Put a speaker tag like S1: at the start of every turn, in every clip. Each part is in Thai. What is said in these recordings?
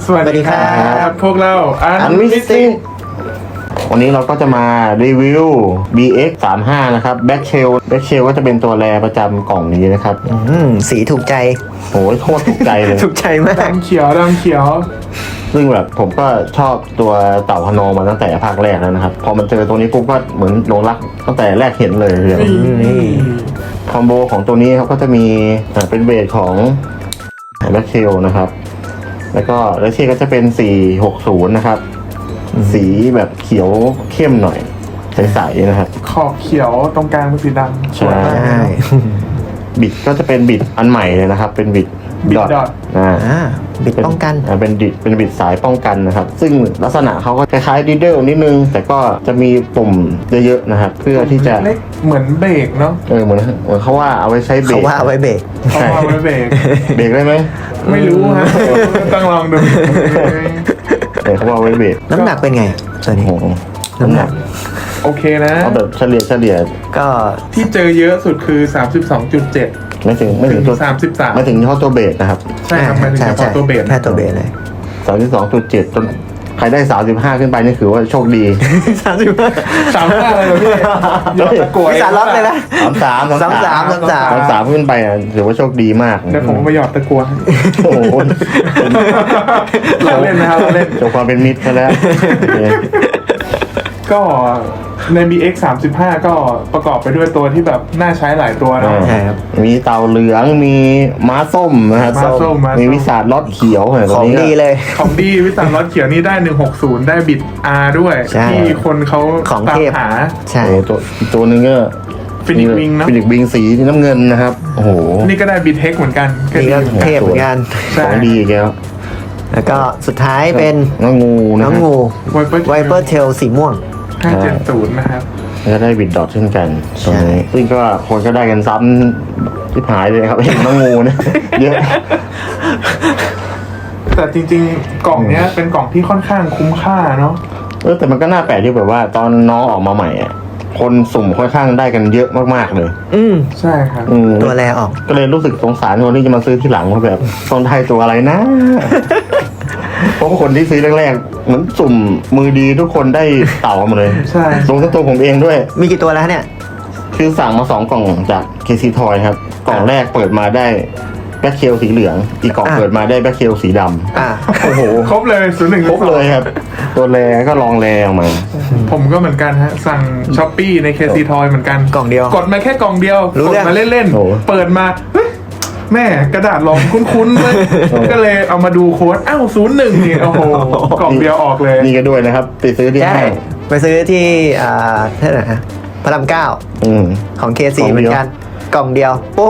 S1: สวัสดีครับพวกเราอันมิสซิ่ง
S2: วันนี้เราก็จะมารีวิว BX 35นะครับ Back Shell ก็จะเป็นตัวแรประจำกล่องนี้นะครับ
S3: สีถูกใจ
S2: โอ้ยโคตรถูกใจเลย
S3: ถูกใจมาก
S1: ดำเขียว
S2: ซึ่งแบบผมก็ชอบตัวเต่าพนอมาตั้งแต่ภาคแรกแล้วนะครับพอมันเจอตัวนี้ปุ๊บก็เหมือนหลงรักตั้งแต่แรกเห็นเลยคอมโบของตัวนี้เขาก็จะมีเป็นเบสของ Back Shell นะครับแล้วก็เลเช่ก็จะเป็น460นะครับสีแบบเขียวเข้มหน่อยใสๆนะครับ
S1: ขอบเขียวตรงกลางเป็นสีดำ
S2: ใช่บิดก็จะเป็นบิดอันใหม่เลยนะครับเป็นบิด
S1: ดอท
S3: บิดป้องกัน
S2: เป็นบิดสายป้องกันนะครับซึ่งลักษณะเขาก็คล้ายๆดีเดิลนิดนึงแต่ก็จะมีปุ่มเยอะๆนะครับเพื่อที่จะ
S1: เล็กเหมือนเบรกเนาะ
S2: เหมือนเขาว่าเอาไว้ใช้เบรก
S3: เขาว่าเอาไว้เบรก
S2: เบรกได้ไหม
S1: ไม่รู้ฮะต้องลองดู
S2: เขาว่าไว้เบรก
S3: น้ำหนักเป็นไงส่วนนี้
S2: น้ำหนัก
S1: โอเคนะ
S2: เอาแบบเฉลี่ย
S3: ก็
S1: ที่เจอเยอะสุดคือ 32.7
S2: ไม่ถึงตัว
S1: 33
S2: ไม่ถึงเฉพาะตัวเบสนะครับ
S1: ใช่ครับไม่ถึงเฉพาะตัวเบส
S3: แค่ตัวเบสเลย
S2: 32.7 จนใครได้35ขึ้นไปนี่คือว่าโชคดี
S1: 35เลยพี่ยอดตะกัว
S3: สารล็อกเลยนะ
S2: 33ขึ้นไปถือว่าโชคดีมาก
S1: เดี๋ยวผมไปหยอดตะกัว
S2: โอ้โห
S1: เราเล่นนะครับเราเล่น
S2: โชว์ความเป็นมิตรซะแล้ว
S1: ก็ใน BX 35ก็ประกอบไปด้วยตัวที่แบบน่าใช้หลายตัวเนาะ
S2: มีเต่าเหลืองมีม้าส้มนะครับมีวิสาดล็อตเขียว
S3: ของดีเลย
S1: ของดีวิสาดล็อตเขียวนี่ได้160ได้บิด R ด้วยที่คนเขาตามหา
S3: ใช่
S2: ตัวนึงก็
S1: ฟินิกวิงนะ
S2: ฟินิกวิงสีน้ำเงินนะครับโอ้โห
S1: นี่ก็ได้บิดเทคเหมือนกัน
S3: นี่ก็เทพเหมือนกัน
S2: ของดีแก
S3: แล้วก็สุดท้ายเป็น
S2: น้องงู
S3: ไวเปอร์เทลสีม่วง
S1: 570นะครับ
S2: ก็ได้บิดดอทเช่นกันซึ่งก็คนก็ได้กันซ้ำที่หายเลยครับเห็นน้องงูเนี่ยเยอะ
S1: แต่จริงๆกล่องเนี้ยเป็นกล่องที่ค่อนข้างคุ้มค่าเนาะ
S2: แต่มันก็น่าแปลกที่แบบว่าตอนน้องออกมาใหม่อ่ะคนสุ่มค่อนข้างได้กันเยอะมากๆเลย
S1: ใช่ครับ
S3: ตัวแรออก
S2: ก็เลยรู้สึกสงสารคนที่จะมาซื้อที่หลังว่าแบบต้องได้ตัวอะไรนะเพราะคนที่ซื้อแรกๆเหมือนสุ่มมือดีทุกคนได้เต่ามาเลย
S1: ใช่
S2: ลงทั้งตัวผมเองด้วย
S3: มีกี่ตัวแล้วเนี่ย
S2: คือสั่งมา2 กล่องจาก KC Toy ครับกล่องแรกเปิดมาได้แบ็คเชลสีเหลืองอีกกล่องเปิดมาได้แบ็คเชลสีดำโอ้โห
S1: ครบเลย01
S2: ครบเลยครับตัวแรก็ลองแรออกมา
S1: ผมก็เหมือนกันฮะสั่ง Shopee ใน KC Toy เหมือนกัน
S3: กล่องเดียว
S1: กดมาแค่กล่องเดียวกดมาเล่นๆเปิดมาแม่กระดาษรองคุ้นๆเลยก็เลยเอามาดูโค้ดอ้าว01นี่โอ้โหกล่องเดียวออกเลย
S2: นี่ก็ด้วยนะครับไปซื้อที่ไหน
S3: ไปซื้อที่ที่ไหนฮะพระราม9ของ KC เหมือนกันกล่องเดียวปุ้ง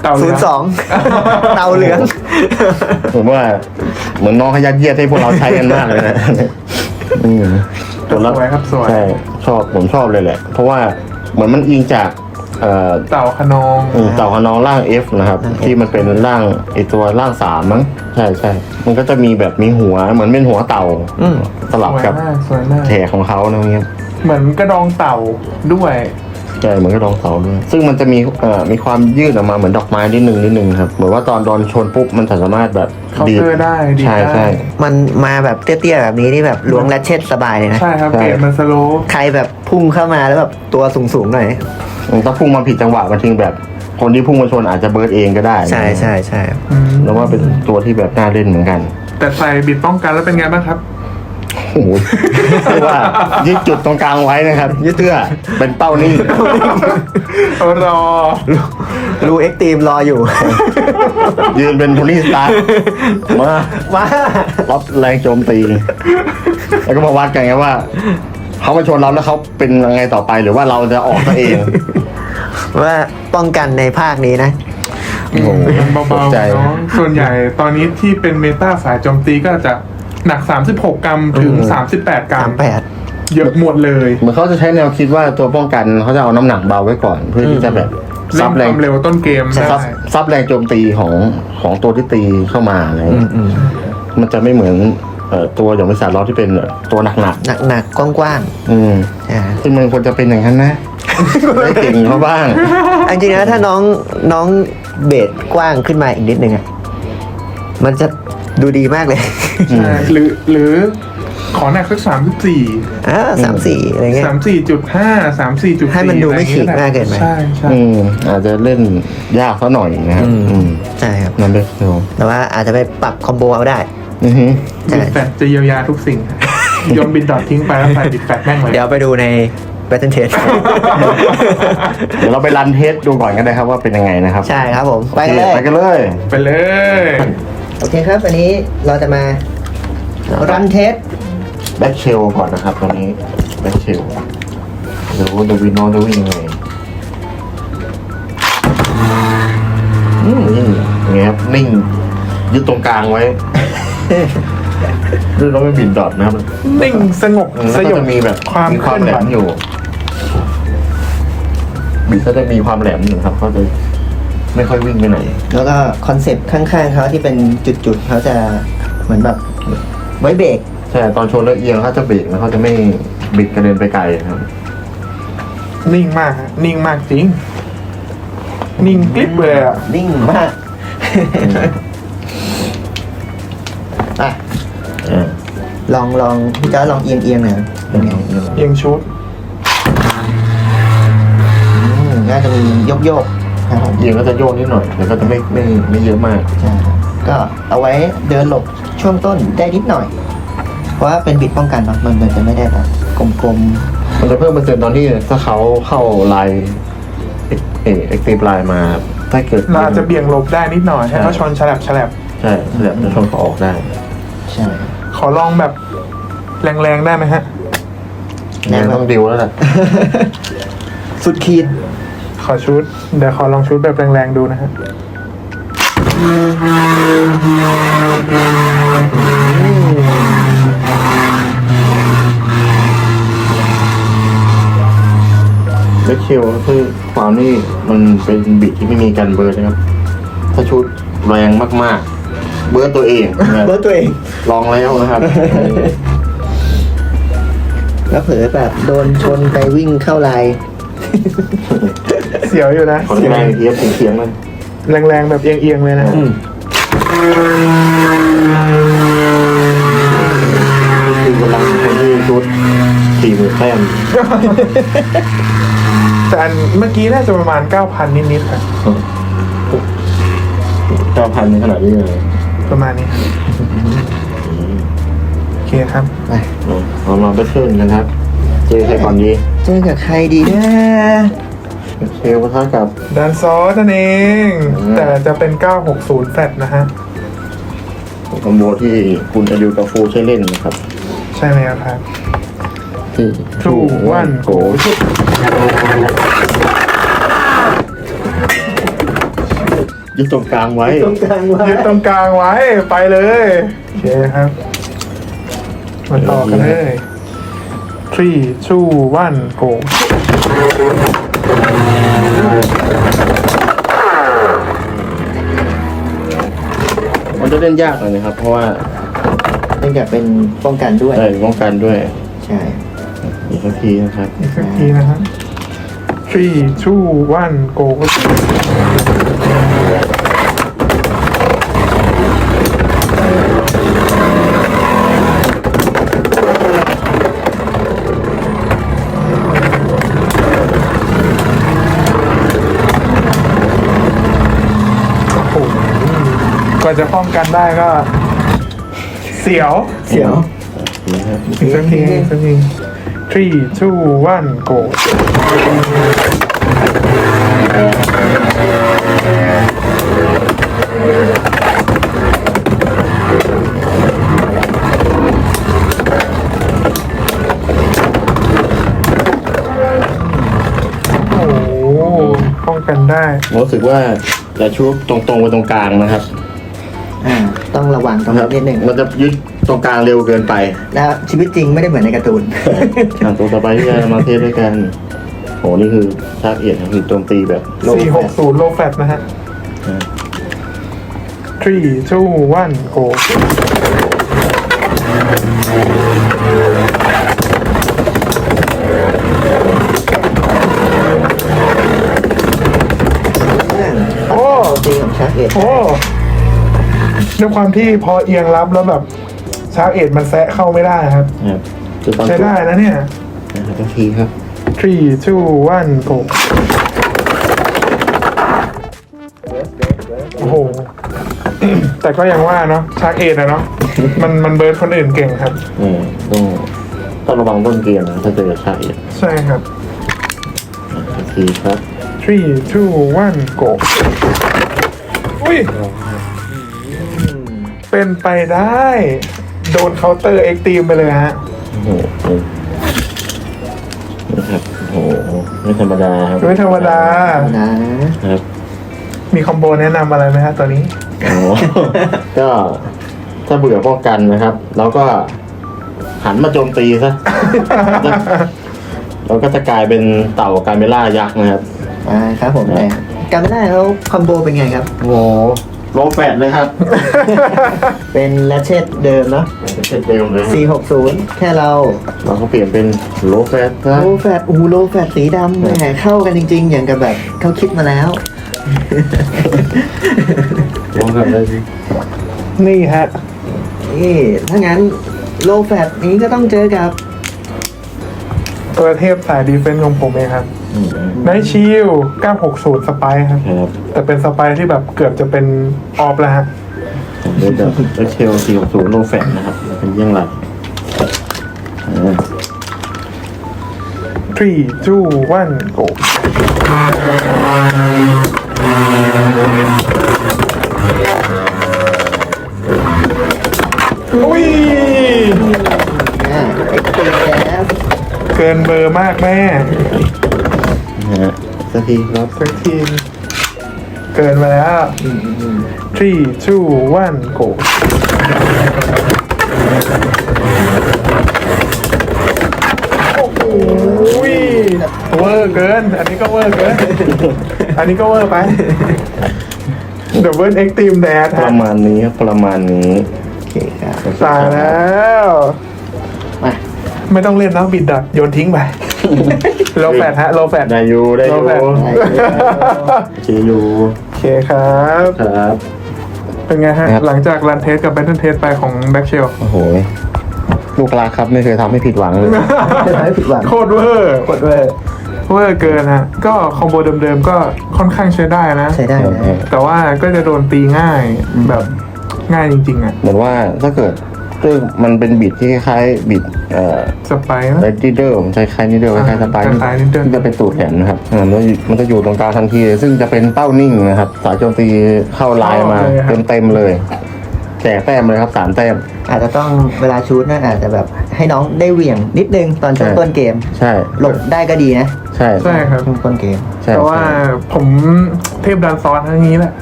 S3: 02เตาเหลือง
S2: ผมว่าเหมือนน้องขยัดเยียดให้พวกเราใช้กันมากเลยนะ
S1: ตัวละครับสวย
S2: ใช่ผมชอบเลยแหละเพราะว่าเหมือนมันอิงจาก
S1: เต่าขนอง
S2: ร่าง F นะครับที่มันเป็นร่างไอตัวร่าง3มั้งใช่มันก็จะมีแบบมีหัวเหมือนเป็นหัวเต่าสลับกับแถของเขานะเงี้ย
S1: เหมือนกระดองเต่าด้วย
S2: ใช่เหมือนกระดองเต่าด้วยซึ่งมันจะมีความยืดออกมาเหมือนดอกไม้นิดนึงครับเหมือนว่าตอนโดนชนปุ๊บมันสามารถแบบ
S1: ดีได้
S2: ใช่
S3: มันมาแบบเตี้ยๆแบบนี้นี่แบบล้วงและเช็ดสบายเลยนะ
S1: ใช่ครับเกรดมันสโลว์
S3: ใครแบบพุ่งเข้ามาแล้วแบบตัวสูงหน่อย
S2: ถ้าพุ่งมาผิดจังหวะมันทิ้งแบบคนที่พุ่งมาชนอาจจะเบิร์ดเองก็ได้
S3: ใช่
S2: แล้วว่าเป็นตัวที่แบบน่าเล่นเหมือนกัน
S1: แต่ใส่บิดป้องกันแล้วเป็นไงบ้างครับ
S2: โอ้โหเรียกว่ายึดจุดตรงกลางไว้นะครับยึดเตื้อเป็นเป้านิ่ง
S1: รอ
S3: รูเอ็กตีมรออยู่
S2: ยืนเป็นโทนี่สตาร์มารับแรงโจมตีแล้วก็มาวัดกันไงว่าเขามาชนเราแล้วเขาเป็นยังไงต่อไปหรือว่าเราจะออกตัวเอง
S3: ว่าป้องกันในภาคนี้นะ
S1: เบาๆเนาะส่วนใหญ่ตอนนี้ที่เป็นเมตาสายโจมตีก็จะหนัก36 กรัมถึง38 กรัมเยอะหมดเลย
S2: เหมือนเขาจะใช้แนวคิดว่าตัวป้องกันเขาจะเอาน้ำหนักเบาไว้ก่อนเพื่อที่จะแบบ
S1: ซับแรงเร็วต้นเกม
S2: ซับแรงโจมตีของตัวที่ตีเข้ามาอะไรมันจะไม่เหมือนตัวอย่างวิสาล้อที่เป็นตัวหนัก
S3: กว้าง
S2: ๆซึ่งมันควรจะเป็นอย่างนั้นนะได้เก่งเขาบ้าง
S3: จริงๆนะถ้าน้องเบสกว้างขึ้นมาอีกนิดนึงอ่ะมันจะดูดีมากเลย
S1: ใช่หรือขอหนักสัก34
S3: 34อะไรเงี้ย
S1: 34.5 34.4
S3: ให้มันดูไม่ฉีกมากเกินไป
S1: ใช่ใช่
S2: อาจจะเล่นยากซะหน่อยนะครับ
S3: ใช่ครับ
S2: นั่นเป็นเร็ว
S3: แต่ว่าอาจจะไปปรับคอมโบเอาได้ ใช่
S1: บิดแฟตจะเยียวยาทุกสิ่งโยนบิดดอททิ้งไปแล้วใส่บิดแฟตแม่งเลย
S3: เดี๋ยวไปดูใน Battle Test
S2: เดี๋ยวเราไปรันเทสดูก่อนกันนะครับว่าเป็นยังไงนะครับ
S3: ใช่ครับผม ไปกันเลย
S2: ไปกันเลย
S1: ไปเลย
S3: โอเคครับ วันนี้เราจะมารันเทส
S2: แบ็คเชลก่อนนะครับตอนนี้แบ็คเชลเดี๋ยวดูวินโนจะวิ่งยังไงนิ่งอย่างเงี้ยครับนิ่งยึดตรงกลางไว้ด้วยเราไม่บินดอทนะครับ
S1: นิ่งสงบ
S2: แล้ว
S1: ส
S2: ก็
S1: ยบ
S2: จะมีแบบ
S1: ความ
S2: มีความแหลมอยู่บิดก็จะมีความแหลมอยู่ครับเขาจะไม่ค่อยวิ่งไปไหน
S3: แล้วก็คอนเซปต์ข้างๆเขาที่เป็นจุดๆเขาจะเหมือนแบบไว้เบรก
S2: ใช่ตอนชนแล้วเอียงเขาจะเบรกแล้วเขาจะไม่บิดกระเด็นไปไกลครับ
S1: นิ่งมากฮะนิ่งมากจริง นิ่งกลิบเลยอ่ะ
S3: นิ่งมากอ่ะลองพี่จ้าลองเอียงหน่อยเป็นไง
S1: เอียงชุด
S3: น่าจะมีโยกครับผม
S2: เอียงก็จะโยกนิดหน่อยแต่ก็จะไม่เยอะมาก
S3: ใช่ก็เอาไว้เดินหลบช่วงต้นได้นิดหน่อย เพราะว่าเป็นบิดป้องกันเนาะมันจะไม่ได้แบบกลม
S2: มันจะเพิ่มเปอร์เซ็นต์ตอนที่ถ้าเขาเข้าไลน์เอ็กซ์ตีฟไลน์มาถ้าเกิด
S1: เราอาจจะเบี่ยงหลบได้นิดหน่อยให้เขาชนฉลับ
S2: ใช่แบบจะชนเขาออกได้
S3: ๆใช่
S1: ขอลองแบบแรงๆได้ไหมฮะ
S2: เนี่ยต้องดิวแล้วแหละ
S3: สุดขีด
S1: ขอชุด เดี๋ยวขอลองชุดแบบแรงๆดูนะฮะ
S2: แบ็คเชลคือความนี่มันเป็นบิดที่ไม่มีการเบิร์ดนะครับ ถ้าชุดแรงมากๆ เบิร์ดตัวเองนะครับ
S3: เบิร์ดตัวเอง
S2: ลองแล้วนะครับ
S3: แล้วเผลอแบบโดนชนไปวิ่งเข้าลาย
S1: เสียวอยู่นะ
S2: ขอแรงเทียบเสียงๆมัน
S1: แรงๆแบบเอียงๆเลยนะ
S2: คือกำลังคนที่ชุด40,000 แต้ม
S1: แต่อันเมื่อกี้น่าจะประมาณ 9,000 นิดๆค่ะ
S2: 9,000ในขนาดนี้เลย
S1: ประมาณนี้ครับโอเคครับ
S3: ไป
S2: เรามาแบทเทิลกันครับ เจอใครก่อนดี
S3: เจอกับใครดีนะ
S2: เชลปะทะกับ
S1: ดันซอสนั่นเอง แต่จะเป็น 960 แฟลตนะฮะ
S2: คอมโบที่คุณจะดูกับฟูใช้เล่นนะครับ
S1: ใช่ไหมครับ
S2: ที่
S1: Two, one, go
S2: ยึดตรงกลางไว้
S3: ตรงกลางว่า
S1: ยึดตรงกลางไว้ไปเลย โอเคครับ มาต่อกันเลย three two one go
S2: มันจะเล่นยากหน่อยนะครับ เพราะว่า
S3: เนื่องจากเป็นป้องกันด้วย
S2: ป้องกันด้วย
S3: ใช่
S2: อีกสักทีนะครับ
S1: อีกสักทีนะครับ three two one go กว่าจะป้องกันได้ก็ เสียว
S3: เสียว
S1: อีกสักทีอีกสักที three two one go โอ้โหป้องกันได้
S2: ผมรู้สึกว่าจะชุบตรงๆไปตรงกลางนะครับ
S3: ต้องระวังตรงนี้นิดหนึ่ง
S2: มันจะยึดตรงกลางเร็วเกินไป
S3: แล้วชีวิตจริงไม่ได้เหมือนในการ์ตูน
S2: ตัวต่อไปที่จะมาเทสด้วยกันโหนี่คือชาร์จเอียดคือโจมตีแบบโล
S1: 460 low fat นะฮะ three two one go
S3: โอ้ตีของชักเอ็ด
S1: โอ้ด้วยความที่พอเอียงรับแล้วแบบชาร์กเอ็ดมันแซะเข้าไม่ได้ครับ
S2: ครับคือตอน
S1: ใช้ได้นะเนี่ย
S2: ทุกทีครับ
S1: 3 2 1 go โอ้โห แต่ก็ยังว่าเนาะชาร์กเอ็ดอะเนาะมันเบิร์ดคนอื่นเก่งครับ
S2: ต้องระวังต้นเกมนะถ้าเจอชาอีก
S1: ใช่ครับ
S2: ทุกทีครับ
S1: 3 2 1 go อุ้ย เป็นไปได้ โดนเคาน์เตอร์เอ็กตีมไปเลยฮะ
S2: โอ้โหนะครับโอ้โหไม่ธรรมดาครับ
S1: ไม่ธรรมดา
S2: ครับ
S1: มีคอมโบแนะนำอะไรไหมฮะตอนนี้
S2: โอ้โหก็ถ้าเบื่อป้องกันนะครับ แล้วก็หันมาโจมตีซะ เราก็จะกลายเป็นเต่าการเมล่ายักษ์นะครับ
S3: ครับผมแต่การไม่ได้แล้วคอมโบเป็นไงครับ
S2: โอ้โหโลแฟตเลยครับ
S3: เป็นแรชเชตเดิมเนาะ
S2: เช่นเดิมเลย
S3: 460 แค่เรา
S2: เราก็เปลี่ยนเป็นโลแฟตซะ
S3: โลแฟตโลแฟตสีดำแหมเข้ากันจริงๆ อย่างกับแบบเขาคิดมาแล้ว
S2: ลองทำได้สิ
S1: นี่ฮะ
S3: นี่ถ้างั้นโลแฟตนี้ก็ต้องเจอกับ
S1: ตัวเทพสายดีเฟนส์ของผมเองครับไนท์ชิล960 สไปร์ครับ
S2: ครับ
S1: แต่เป็นสไปร์ที่แบบเกือบจะเป็นออฟแล้วฮะ
S2: เดี๋ยวจะเชล460โลแฟตนะครับเป็นยังไง
S1: 3 2 1 go อุ้ย
S3: เอ็กซ์เแก๊ส
S1: เกินเบอร์มากแม่
S2: นะฮะสักทีครับ
S1: สักทีมเกินมาแล้ว 3 2 1 go โอ้โหเวอร์เกิน อันนี้ก็เวอร์เกิน อันนี้ก็เวอร์ไป The World Extreme Dash
S2: ประมาณนี้ครับประมาณนี้
S3: โอเคครับ
S1: ตายแล้ว
S3: มา
S1: ไม่ต้องเล่นแล้วบิดดัดโยนทิ้งไป โลแฟตฮะ โลแฟต
S2: ได้อยู่ได้อ
S1: โล
S2: ยู่
S1: แฟต
S2: เชียร์อยู่
S1: โอเคครับ
S2: ครับ
S1: เป็นไงฮะ
S2: ครับ
S1: หลังจากรันเทสกับแบทเทิลเทสไปของแบ็กเชล
S2: โอ้โหลูกรักครับไม่เคยทำให้ผิดหวังเลย
S3: จะทำให้ผิดหวัง
S1: โคตรเวอร์
S3: กดเวอร์
S1: เวอร์เกินฮะ ก็คอมโบเดิมๆก็ค่อนข้างใช้ได้นะ
S3: ใช้ได้นะ
S1: แต่ว่าก็จะโดนตีง่ายแบบง่ายจริงๆอ่ะ
S2: เหมือนว่าถ้าเกิดซึ่งมันเป็นบิดที่คล้ายๆบิด
S1: สไปร์นะ
S2: ไรดิเดอร์ผมใช้คล้ายนิดเดิลคล้ายๆสไปร์
S1: คล้ายๆนิดเดิล
S2: ที่จะเป็นตูดแขนนะครับมันจะอยู่ตรงกลางทันที ซึ่งจะเป็นเป้านิ่งนะครับ สายโจมตีเข้าลายมาเต็มๆเลยแจกแต้มเลยครับ3 แต้ม
S3: อาจจะต้องเวลาชูตนะอาจจะแบบให้น้องได้เหวี่ยงนิดนึงตอนช่วงต้นเกม
S2: ใช่
S3: หลบได้ก็ดีนะ
S2: ใช่
S1: ใช่ครับ
S3: ช่วงต้นเกม
S2: ใช่
S1: แต่ว่าผมเทพดันซอนทั้งนี้แหละ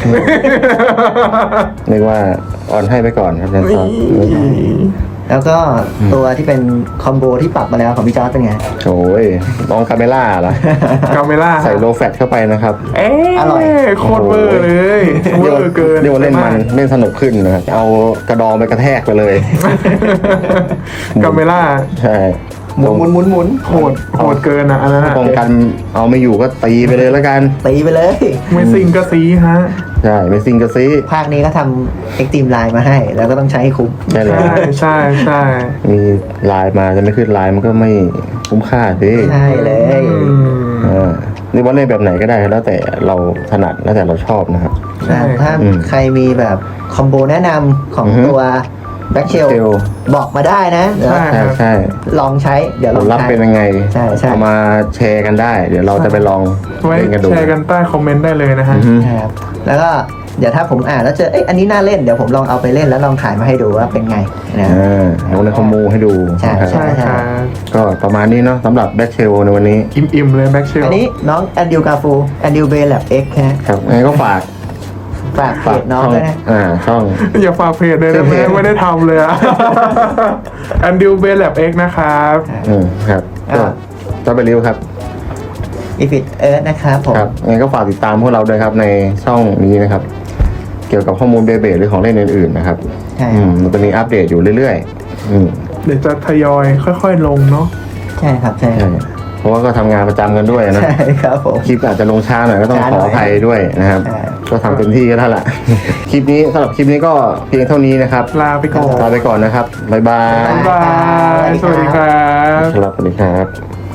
S2: นึกว่าออนให้ไปก่อนครับแดนซอน
S3: แล้วก็ตัวที่เป็นคอมโบที่ปรับมาแล้วของพี่จอร์จเป็นไง
S2: โอ้ยลองคาเมล่าเหรอ
S1: กาเมล่า
S2: ใส่โลแฟตเข้าไปนะครับ
S1: เอ๊ะ
S3: อร่อย
S1: โคตรเวอร์เลยเวอร์เกิน
S2: เรียกว่าเล่นมันเล่นสนุกขึ้นนะครับเอากระดองไปกระแทกไปเลย
S1: กาเมล่า
S2: ใช่
S3: หมุน
S1: โหดเกินอ่ะอันนั้นอะ
S2: ป้องกันเอาไม่อยู่ก็ตีไปเลยแล้วกัน
S3: ตีไปเลย
S1: ไม่ซิงก็ซีฮะ
S2: ใช่ไม่ซิงกระซี
S3: ภาคนี้ก็ทำเอ็กตีมไลน์มาให้ แล้วก็ต้องใช้ให้คุ้ม
S2: ใช่เลย
S1: ใช่
S2: มีลายมาจะไม่ขึ้นลายมันก็ไม่คุ้มค่าสิ
S3: ใช่เลย
S2: นี่ว่าเล่นแบบไหนก็ได้แล้วแต่เราถนัดแล้วแต่เราชอบนะครับ
S3: ถ้าใครมีแบบคอมโบแนะนำของตัวแบ็คเชล
S2: Shell
S3: บอกมาได้นะเดี๋ยว
S2: ใช่
S3: ลองใช้เดี๋ยว
S2: ผ
S3: ลอ
S2: ล
S3: ง
S2: ลัพธ์
S3: ใช้
S2: เป็นยังไง
S3: ใช่
S2: เอามาแชร์กันได้ เดี๋ยวเราจะไปลอง
S1: ไว้
S2: เล่นกันดู
S1: แชร์กันใต้คอมเมนต์ได้เลยนะฮะ
S2: อือฮึ
S3: ครับแล้วก็เดี๋ยวถ้าผมอ่านแล้วเจออันนี้น่าเล่นเดี๋ยวผมลองเอาไปเล่นแล้วลองถ่ายมาให้ดูว่าเป็นไงนะ
S2: เอาในคอมมูให้ดู
S3: ใช่
S2: นะครับ
S1: ใช่ครับ
S2: ก็ประมาณนี้เนาะสำหรับแบ็คเชลในวันนี้
S1: อิ่มๆเลยแบ็กเชล
S3: อันนี้น้องแอนดิวกาฟูแอนดิวเบลแลบเอ็กซ์นะครับ
S2: งั้นก็ฝาก
S3: ฝากเพจน้อง
S2: ช่อง
S3: ด้วยนะ
S2: ช่อง
S1: อย่าฝากเพจเลยนะไม่ได้ทำเลยอะอันดิวเบลแลบเอ็กนะครับ
S2: ครับก็จะไปรีวิวครับ
S3: อีฟิตเอิร์ธนะครับผม
S2: ครับงั้นก็ฝากติดตามพวกเราด้วยครับในช่องนี้นะครับ เกี่ยวกับข้อมูลเบเบหรือของเล่นอื่นๆนะครับ
S3: ใช่
S2: มันจะมีอัปเดตอยู่เรื่อยๆ
S1: เดี๋ยวจะทยอยค่อยๆลงเนาะ
S3: ใช่ครับใช่
S2: ใช่เพราะว่าก็ทำงานประจำกันด้วยนะ
S3: ใช่ครับผม
S2: คลิปอาจจะลงช้าหน่อยก็ต้อง
S3: ช้า
S2: ข
S3: หน่
S2: อ
S3: อย
S2: อภัยด้วยนะครับ
S3: ใช่
S2: ก็ทำเต็มที่ก็ได้ละ คลิปนี้สำหรับคลิปนี้ก็เพียงเท่านี้นะครับ
S1: ลาไปก่อน
S2: ลาไปก่อนนะครับบ๊ายบาย
S1: บ๊ายบาย สวัสดีครับ
S2: ครับสวัสดีครับ